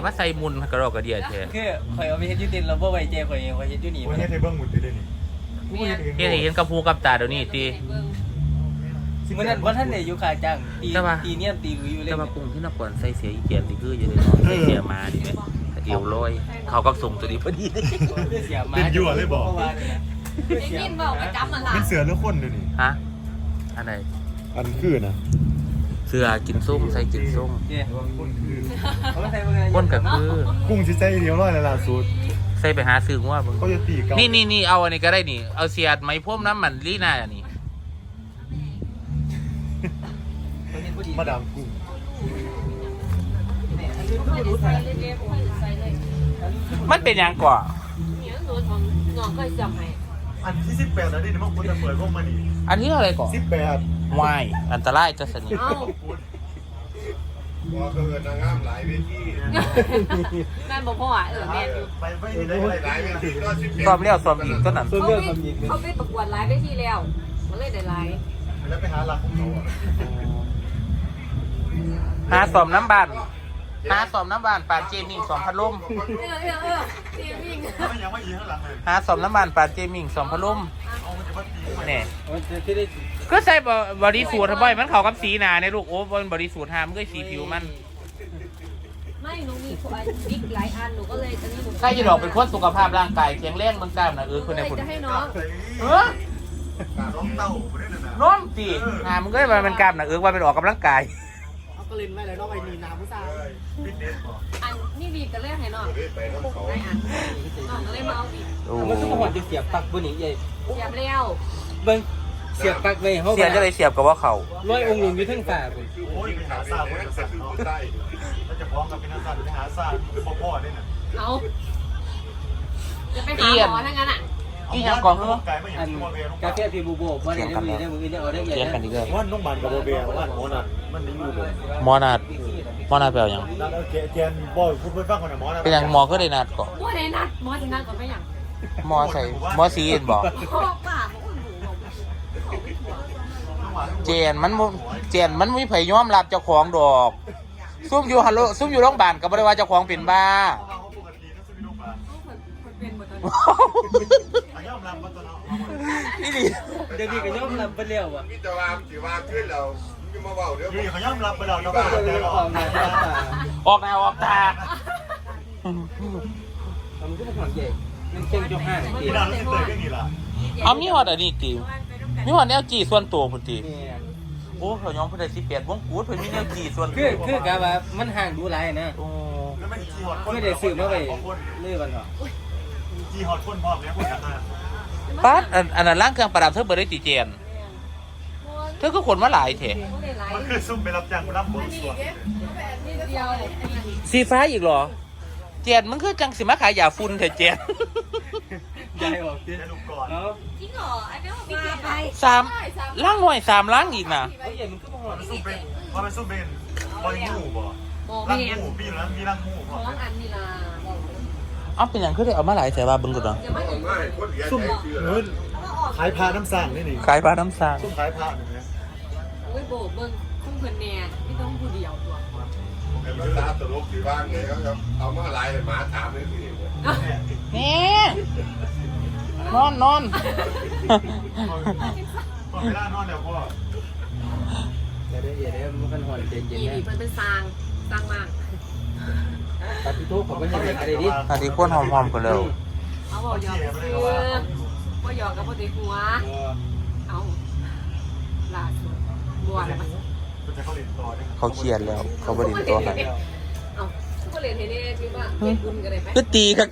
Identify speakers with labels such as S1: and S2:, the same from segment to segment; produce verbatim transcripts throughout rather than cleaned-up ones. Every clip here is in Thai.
S1: มาใส่มุนกระรอกกระเดียดแท้
S2: คือข่อยเอาไปเฮ็ดยูตินแล้วบ่ไว้เจข่อยเองข่อยเฮ็ดยูนี่
S3: วันนี้เทเบิ้งหมุดอยู่ด้วยนี่
S1: เฮ็ดให้เห็นกับหูกับตาเดี๋ยวนี้ติ
S2: มื้อนั้นบ่ทันได้อยู่ค่าจ้างตีตีเนียนตีลุยอยู่เลย
S1: แต่ว่ากุ้งที่นครใส่เสียอีเกียนนี่คืออยู่ในนอนใส่เสียมาดิแม่เอวลอยเขาก็ส่งตัวนี้พอดี
S2: เสียมา
S3: เป็นยั่วเลยบอก
S4: ได้ยินบอกประจำมันล่ะ
S3: เป็นเสือหรือคนด้วยนี่
S1: ฮะอันไหน
S3: อันคือนะ
S1: เสื้อกินส้มใส่กินส้ม
S2: เจ้
S3: คนคือ
S2: เขาใส่เบิ่ง
S1: ก้นก็คือ
S3: กุ้งชิใจเดียวร้อยละล่าสุด
S1: ใส่ไปหาซื้อว่าเบิ่ง
S3: เขาจะตีกัน
S1: นี่นี่นี่เอาอันนี้ก็ได้นี่เอาเสียดไหมพ่มน้ำมันลีน่าอันนี้
S3: มาดามกุ้ง
S4: ใส่เลยเรียบใส่เลย
S1: มันเป็นหยังก่อ
S4: เนี่ยหนูของน้องก็จำให้
S3: อันที่สิบแปดแล้วนี่มันควรจะเปิดพวกมันนี่
S1: อันนี้อะไรก่อ
S3: สิบแปด
S1: วายอันตรายจะสนิท
S4: เอ้า
S5: ว่าเกิดนางงามหลายเวที
S4: แม่บอกพ่ออ่ะเออแม่อยู่
S3: ไปไม่ได้อะไร
S5: หลายเวทีก็สิบเอ็ด
S1: ซ้อมแล้วซ้อมอีกก็นั่น
S2: ส่วน
S4: เขา
S2: เรื่อง
S4: ไป
S2: ความยิง
S4: เขาไปประกวดไลฟ์ได้ที่แล้วมันเลยได้ไลฟ์
S3: แล้วไปหาหลักของเขาอ่ะ
S1: หาซ้อมน้ำบานหาซ้อมน้ำบานปาดเจมิงสองพัดลม
S4: เออเออเออทีมวิ่ง
S3: ไม่ยังไม่ยิงข้างหลังเลย
S1: หาซ้อมน้ำบานปาดเจมิงสองพัดลม
S3: เอามันจะมาตี
S1: เนี่ย
S2: มันจะที่ได้
S1: ก็ใส่บอดี้สูทบ่อยมันเข้ากับสีหนาในลูกโอ้บนบอดี้สูทหามันก็สีผิวมัน
S4: ไม่หนูมีควายบิ๊กหลายอันหนูก็เลยตอนนี้หนู
S1: ใครจะดอกเป็นคนสุขภาพร่างกายแข็งแรงมันกล้ามนะเออคนใน
S4: เลย
S1: คน
S4: จะให้น้อง
S1: เออ
S3: น้องเต่าไม่ได้นะ
S1: น้องตีหามันก็ได้มาเป็นกล้ามนะเออว่าเป็นออกกำลังกาย
S2: เอาก็เล่นไว้เลยน้องไอ้นี่น้ำผู้สาว
S3: ฟิตเนสบอก
S4: อันนี่บีบกันเลยให้น้อง
S5: ไปน้องเขา
S4: ได้อันน้องก็เลยมาเอาบีบ
S1: โอ้
S2: มันก็หอดจะเสียบปักบนนี้ใหญ่
S4: เสียบแล้ว
S2: เบิ่งเสียบปักไว้เฮา
S1: เสียบจะเลยเสียบกับว่าเขา
S2: ร้อยองค์หลวงอยู่ทั้งฝ่าพุ่น
S3: โอ้ยไปหาซาคนจะสั่งเนาะ
S5: ใต้
S3: ถ้าจะพร้อมกับเป็นนักสั่งไปหาซาพ่อพ่อได้น่ะ
S4: เอาจะไปหาหมอทั้งนั้นอ่ะ
S1: อีหยังก่อนเหรอ
S3: ไก่ไม่อ
S2: อั
S3: ย่าง
S2: น
S3: ที่ว่าเบียร์
S2: กาแฟพี่บูโบบ่ได้ได้มือได้มือได้เอาได้ใหญ่
S1: เทียนกันดีกว่า
S3: ว่าน้องมันกับโบเบียร์ว่าหมอนัดมันไม่อยู่เลย
S1: หมอนาดหมอนาดแปลว่าหยัง
S3: นัดเอาแกแกนบอยพูดไปฟังก่อนนะหมอนัด
S1: เป็นหยังหมอก็ได้นัดก่อน
S4: หมอไหนนัดหมอที่นัดก็ไม่อย่าง
S1: หมอใส่หมอสีเอ็นบอก
S4: พ่อป้าหนูบอก
S1: เจนมันบ่เจนมันไม่ไผยอมรับเจ้าของดอกซุ่มอยู่ฮัลโหลซุ่มอยู่โรงพยาบาลก็บ่ได้ว่าเจ้าของเป็นบ้า
S3: ปกตินั่นคือลูกบ้าน
S4: คนเป็นหมดเลย
S3: อาย่อมรับมาตอนนั้น
S1: นี่ดิ
S2: เดี๋ยวนี้ก็ยอมรับไปแล้วอ่ะ
S5: มิตรวามถือว่าขึ้นเราจะมาเบาเดี๋ยว
S3: ยี่เขาย่อมรับไปแล้วนะ
S2: ก็
S3: ว่า
S2: เลย
S3: แต่
S2: ออกมาจากป่า
S1: ออกหน้าออกตา
S2: มันก็บ่หอดใหญ่มันเก่งจนห้างตี
S3: พี่ดาวรู้สึกเตยก็นี่ล่ะ
S1: เอามีฮอดอันนี้ติมีฮอดแนวจีส่วนตัวพุ่นติ
S2: นี่
S1: โอ้เขายอมเพิ่นได้สิบแปดวงกูดเพิ่นมีแนวจีส่วนตั
S2: คือ
S1: ว
S2: คือกะว่ามันห่างดูหลายนะ
S1: โอ้
S3: แล้วไม่จีฮอตคน
S2: ไม่ได้ซื้อมาไว้เลื่อนเนาะ
S3: จีฮอตคนพร้อมเนี่ยคนกันนะ
S1: ปัดอันอันนั้นร่างเครื่องประดับเธอเบ่ได้ติเจนเธอก็ขนมาหลายแท้
S3: มันคือซุ่มไปรับจ้างรับโบสถ์
S4: นิดเดียว
S1: สีฟ้าอีกเหรอ เจนมันคือจังสิมาขายยาฝุ่นแท้เจน
S2: ใหญ่ออกดิ
S3: จะลูกก่อน
S2: เนาะ
S4: จริงเหรออันนี้พี่เกียรไป
S1: สามล่างหน่อยสามล่างอีกนะ
S2: เฮ้ยมันก็บ่หอด
S3: มันซุ่มเป็นมันซุ่มเป็นบอยงูบ่
S4: โม
S3: รัง
S4: เมียน
S3: งูพี่แล้วมีรังงูพร้อ
S4: ท้
S3: ม
S4: องอันนี่ล่ะ
S1: เอาเป็นอย่างคือได้เอามาหลายแต่ว่าเบิ่งก่อนเนาะ
S4: อย่ามา
S5: ผมง่ายคนเหรียญ
S3: ซุ่ม
S5: ใจเชื่อ
S3: เงินขายพาน้ำสั่งนี่นี่
S1: ขายปลาน้ำซาง
S3: ซุ่มขายพาหนึ่งนะ
S4: โอ้ยโบเบิ้งคุ้มเพิ่นแน่ไม่ต้องผู้เดียวตัว
S5: ไอ้ภาษาตลกที่บ้านไงครับเอามาลายหมาถามเลยสิ
S1: นี่นอนนอน
S3: พอเวลานอนเดี๋ยวพ่อ
S2: อย่าได้อย่าได้มันกันหอดเย็น
S4: อี
S2: ๆนะ
S4: นี่เพิ่นเป็นซางซางมาก
S2: ปฏิทุกข์เขาไปให้อะไรดิ
S1: อันนี้พ่นหอมๆกันแล้ว
S4: เอาบอกหยอกคือบ่หยอกกับบ่ได้หัวเอาล่าสุดบัวแล้วมัน
S3: มันจะเข้าเรียนต่อได้
S1: เขาเครียดแล้ว เขาบรินตัวให้
S4: เอาก็เรียนให้ได้คือว่าเฮ็ดบุญกันได้ไหม
S1: ก็ตีครับ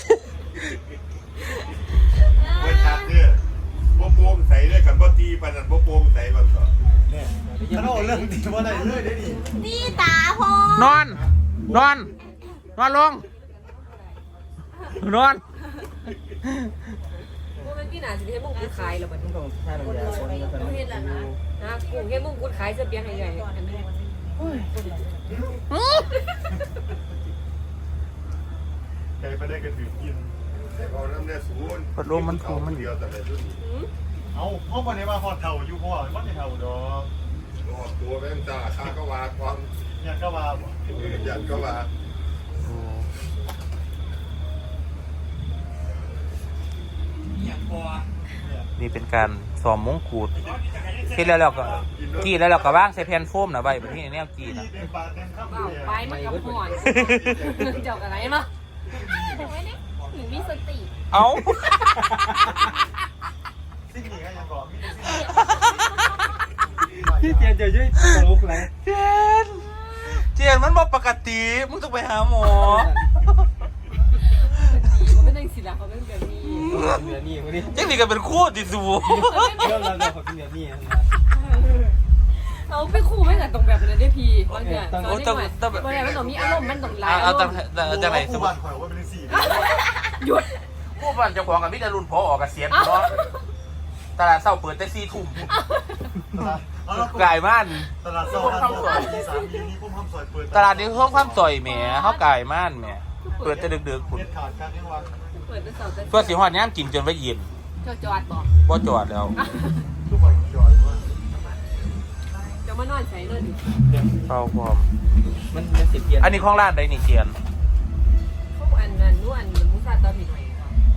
S5: เว้ยชัดเนี่ยบ่โปงใส่ด้วยกันบ่ตีปานนั้นบ่โปงใส่มันก็
S3: เนี่ยถ้าเราเรื่องดีว่าอะไรเลยได้ดี
S4: นี่ตาพอน
S1: อน นอน นอนลง นอน
S4: พวกมันพี่น่าสิให้มุ่งกุดขายแล้วบัดนี้
S2: ต้องท่าน้ำยาคนมัน
S4: เฮ็ดแล้วนะนะกุ้งให้มุ่งกุดขายเสื้อเปียกให้ใหญ่อันนี้
S3: แกไปได้กันถือกิน
S5: แต่พอน้ำเนี่ยศูนย์
S1: พัดลมมันถูมัน
S5: เดียวแต่ละรุ่น
S3: เอาห้องวันนี้มาพอเท่าอยู่พ่อมันจะเท่าดอก
S5: รอดตัวแม่งจ้าข้าก็ว่าความ
S3: อยากก็มา
S5: ยันก็ว่า
S1: โอ้นี่เป็นการซ้อมมงกุฎที่แล้วเราก็กี่แล้วเราก็ว่างใส่แผ่นโฟมนะใบแบบนี้แนวกี่นะ
S3: เต็มปากเต็มคำ
S4: เบา
S3: เลย
S4: ไปมันกับห่อนเจ้าอะไรมาไว้นี่หนูมีสติ
S1: เอา
S3: สิ่งนี้ก็ยังบอกมีสิ่ง
S2: พี่เตียนจะยุ่ยตลกไร
S1: เจนเจนมันบอกปกติมึงต้องไปหาหมอ
S4: เขาไม่ได้ศิลาเขาเป็นแบบนี้
S2: เหนือนี่วันนี้
S1: จังนี่ก็เป็นคู่ติดสู
S2: เรื่องเราเราเขาเป็นเหนือนี่
S4: เราไปคู่ไม่กันตรงแบบนั้นได้พี่บางอย่างตอนนี้หน่อยบางอย่างมันต้องมีอารมณ์มันต้องไล่
S1: เอา
S4: อาร
S1: จัง
S4: มณ์
S1: จังไหนส
S3: ส
S1: ม
S3: ม
S1: ม
S3: บั
S1: ติ
S3: ติข่อยว่าเป็นสี่
S4: หยุด
S1: ผู้บ้านเจ้าของกับมิตรรุ่นพอออกเกษียณเนาะตลาดเศร้าเปิดแต่สี่ทุ่มกายม่าน
S3: ตลาดโซ่ตลาดโซ่ที่สามมีนี่พุ่มคำสอยเปิด
S1: ตลาดนี้เพิ่มความซอยแหมเขากายม่านแหมเปิดแต่ดึกๆคุณ
S3: เด็ดขาดการทั้งวัน
S4: เปิดเป็นเสาแต่
S1: เพื่อสิหอดย่ามกินจนไว้เย็น
S4: เจ้าจอดบอก
S1: บ่จอดแล้ว
S3: ทุกคนจอดว่า
S4: เจ้ามานอนใส่เลย
S1: เข้าพร้อม
S2: มันมันสิเปลี่ยน
S1: อันนี้ของร้านใดนี่เจียน
S4: เขาอันนั้นนู่นอันมุสาตอผิดหน่อย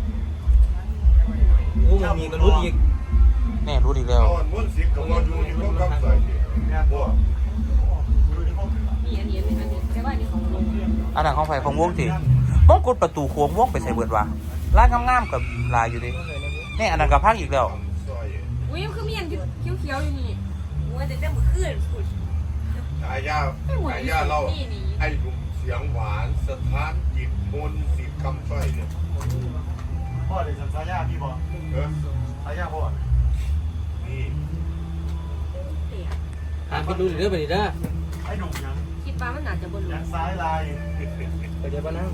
S2: โอ้มันมีกระลุดอีก
S1: แน่รู้ดีแล้ว
S5: เอาอันม้วนสิบกับว่าอยู่ที่พวกคำใส่เนี่ย
S3: เนี่ย
S5: บ่
S3: ดูที่ห้อง
S4: มีอันนี้อันนี้อันนี้แต่ว่าอันนี้ของลุง
S1: อันนั้นของไฟของวงสิมงกุฎประตูโค้งวงไปใส่เบิดวะร้านงามๆกับลายอยู่ดินี่อันนั้นกับพังอีกแล้ว
S5: ซอย
S4: อุ้ยคือมีอันเขียวๆอยู่นี่ว่าจะได้มือขึ้นสุด
S5: ฉายาฉายาเราไอ้หนุ่มเสียงหวานสถานจิตมนต์สิบคำสร้อยเนี่ย
S3: พ่อเด็กสัญชาญาพี่บอก
S5: เออ
S3: ชายาพ่อ
S5: นี่
S2: หาไปดูเรื่องไปดิเด้อ
S3: ไอ้หนุ่มยัง
S4: คิดว่ามันอาจจะบนหลุ
S3: ยั
S4: ม
S3: งซ้ายลาย
S2: ไปเดี๋ยวบ้านนั่ง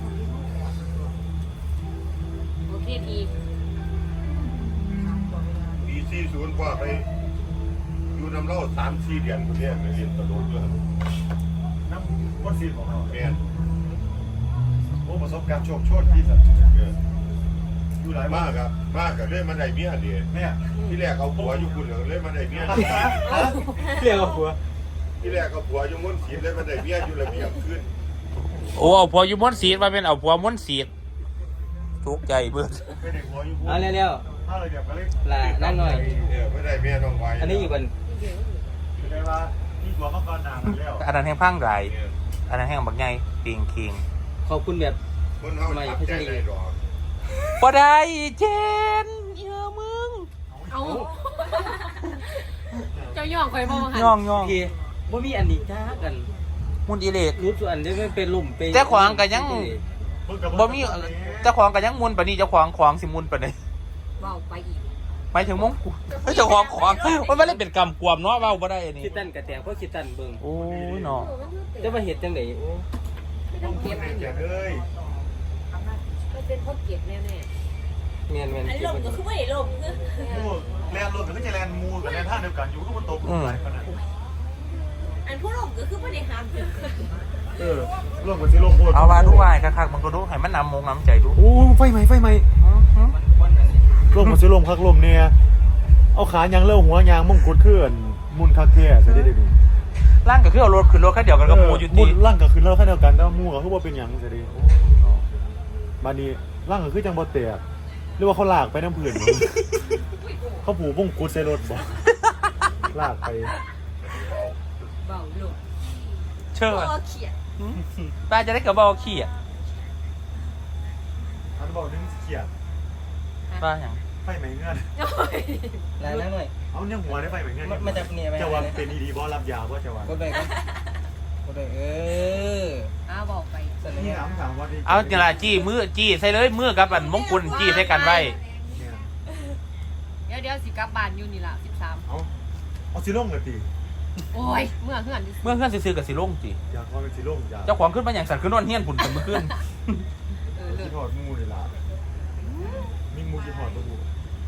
S4: โอเคที
S5: ปีสี่ศูนย์พ่อไปอยู่น้ำเล่าสามสี่เดือนคนเนี้ยไปเรียนตลกด้วย
S3: น้ำวัดซีนของเรา
S5: แม่น
S3: โอ้ประสบการณ์โชคโชนที่สุด
S5: เออ
S3: อยู่หลาย
S5: มาม
S3: าก
S5: ครับมากกับเล่นมาได้เมียเดีย
S3: เนี่ย
S5: ที่แรกเอาผัวอยู่คุณเหลืองเล่นมาได้เมีย
S2: เรียกว่าผัว
S5: ที่แรกเอาผัวอยู่ม้วนสีเล่นมาได้เมียอยู่ระเบียบขึ้น
S1: โอ้เอาผัวอยู่ม้วนสีดมาเป็นเอาผัวม้วนสีดทุกข์ใจเบิด
S3: เป็นเด็กหัวอยู่
S2: เอาเร็ว
S3: ถ้าเราเดี๋ยวก็เล่น
S2: ๆลานั่งหน่อย
S5: เออไม่ได้เมียน้องไว้
S2: อันนี้อีกวัน
S3: คือได้ว่านี่หัวเขาก็นานแล้ว
S1: อันนั้นแห้งพังไรอันนั้นแห้งบักไงปิงคิง
S2: ขอบคุณแบบ
S5: คนเฮาจับใจได้ดอก
S1: บ่ได้เจนเยอะมึง
S4: เอาเจ้าย่องคอยมองหัน
S1: ย่องย่อง
S2: พี่ว่ามีอันนี้จ้ากัน
S1: มุนอีเลก
S2: รู้ส่วนนี้มันเป็นลุ่มเป็น
S1: เจ้าของก็ยัง บ่มีเจ้าของก็ยังมุนปานนี้เจ้าของของสิมุนปานนี้
S4: เบาไปอีก
S1: หมายถึงมงกุฎเจ้าของของมันไม่ได้เป็นกรรมกวมเนาะเว้าบ่ได้อันนี้
S2: คิดตันกระแตงเพราะคิดตันเบิ่ง
S1: โอ้ยเนาะ
S2: จะมาเห็ดจังไหนโอ้
S4: ไม่ต้องเก็บ
S3: เจ็บเลย
S4: มันเป็นเพราะเก็บแน่
S2: เมียนเมียน
S6: อันนี้ลมก็คือไม่ได้ลมคือ
S3: มูแลนรถก็จะแลนมูกับแลนท่าเดียวกันอยู่ก็มันตกหลายขนาด
S6: อันผู้ลมก็คือไม่ได้ห้ามคือ
S3: เออลงกับที่ลงโคตร
S1: เอาว่าดูวายคักๆมันก็ดูให้มันนำมงน้ำใจดู
S3: โอ้ไฟไหมไฟไหมลงกับที่ลงคักลมเนี่ยเอาขายางเล่าหัวยางมงกุฎขึ้นมุนคักแก่ใช่ได้ดี
S1: ร่างก็คือเอารถขึ้นรถคันเดียวกันกับหมูอยู่
S3: มุ
S1: ที่
S3: นร่างก็คือเล่าแค่เดียวกันแต่มูก็คือว่าเป็นอย่างใช่ดีมานี้ร่างก็คือจังบ่เตะหรือว่าเขาลากไปน้ำผื่นเขาผูกมงกุฎใส่รถบ่ลากไป
S4: ๆเบาลง
S1: เชื่อ
S6: ตัวเขียด
S1: ป้าจะได้กับบอขี้อ่ะ
S3: อันบอกนึงเขียด
S1: ป้าอย่าง
S3: ไฟไหมเงื่อน
S2: ลานั่งหน่อย
S3: เอาเนี่ยหัวได้ไฟไหมเงื่อน
S2: มันจะเนี่ยไป
S3: จะว่าเป็นอีดีบอรับยาว่าจะว่า
S2: กดไปกันกดไปเออ
S4: อ้าวบอกไป
S2: สั่น
S3: นี่
S2: เนี่ย
S3: ถามถามว่า
S1: เอาจระจี้มือจี้ใส่เลยมือกับอันมงกุฎจี้ใส่กันไว้
S4: เดี๋ยวเดี๋ยวสิกลับบ้านอยู่นี่ล่ะสิบสาม
S3: เอาเอาสิลงเลยตี
S4: โอ้ยเมื่อเฮือน
S1: เมื่อเพื่อนซื้อๆกับสิลงจี
S3: อยากว่าเป็นสิลงอยาก
S1: เจ้าของขึ้นมาอย่างสันขึ้นนอนเฮี้ยนผุนกันเมื่อคืน
S4: เออเลิ
S3: คิ
S4: ศ
S3: ดหอดมูเลยล่ะมีมูคิดหอดตัวมู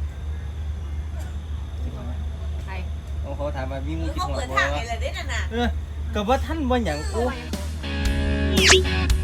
S4: ใคร
S2: เขาถามมาวิ่ง
S6: คือ
S2: คิด
S6: เขา
S2: หัว
S6: เปิด
S2: บ่
S6: ทางให้เลยได้น่ะนะ
S2: เออกับว่าท่านว่าอย่างกู
S4: โอ้ย